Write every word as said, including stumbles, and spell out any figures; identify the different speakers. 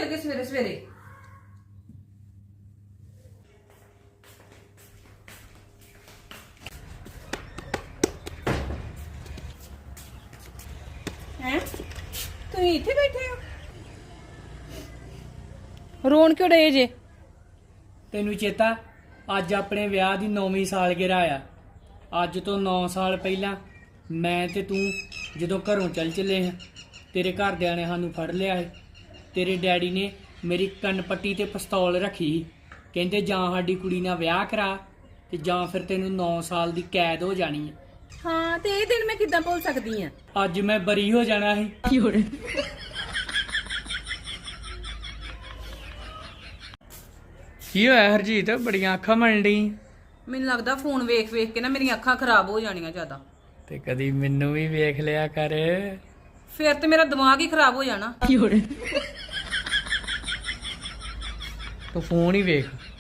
Speaker 1: गए सवेरे सवेरे। हैं तुम इत्थे बैठे हो रोन क्यों डे जे?
Speaker 2: ਤੈਨੂੰ ਚੇਤਾ ਅੱਜ ਆਪਣੇ ਵਿਆਹ ਦੀ ਨੌਵੀਂ ਸਾਲਗਿਰਾ ਆ। ਅੱਜ ਤੋਂ ਨੌ ਸਾਲ ਪਹਿਲਾਂ ਮੈਂ ਤੇ ਤੂੰ ਜਦੋਂ ਘਰੋਂ ਚੱਲ ਚੱਲੇ ਹਾਂ, ਤੇਰੇ ਘਰਦਿਆਂ ਨੇ ਸਾਨੂੰ ਫੜ ਲਿਆ ਸੀ। ਤੇਰੇ ਡੈਡੀ ਨੇ ਮੇਰੀ ਕੰਨ ਪੱਟੀ ਤੇ ਪਿਸਤੌਲ ਰੱਖੀ ਸੀ, ਕਹਿੰਦੇ ਜਾਂ ਸਾਡੀ ਕੁੜੀ ਨਾਲ ਵਿਆਹ ਕਰਾ ਤੇ ਜਾਂ ਫਿਰ ਤੈਨੂੰ ਨੌ ਸਾਲ ਦੀ ਕੈਦ ਹੋ ਜਾਣੀ ਹੈ।
Speaker 1: हाँ ते ये दिन मैं किद्दां भुल सकदी हां?
Speaker 2: ਅੱਜ ਮੈਂ ਬਰੀ ਹੋ ਜਾਣਾ ਸੀ। ਕੀ ਹੋਇਆ ਹਰਜੀਤ, ਬੜੀਆਂ ਅੱਖਾਂ ਮਲਣ ਡਈ?
Speaker 1: ਮੈਨੂੰ ਲੱਗਦਾ ਫੋਨ ਵੇਖ ਵੇਖ ਕੇ ਨਾ ਮੇਰੀਆਂ ਅੱਖਾਂ ਖਰਾਬ ਹੋ ਜਾਣੀਆਂ ਜ਼ਿਆਦਾ।
Speaker 2: ਤੇ ਕਦੀ ਮੈਨੂੰ ਵੀ ਵੇਖ ਲਿਆ ਕਰ।
Speaker 1: ਫਿਰ ਤੇ ਮੇਰਾ ਦਿਮਾਗ ਹੀ ਖਰਾਬ ਹੋ ਜਾਣਾ।
Speaker 2: ਤੂੰ ਫੋਨ ਹੀ ਵੇਖ।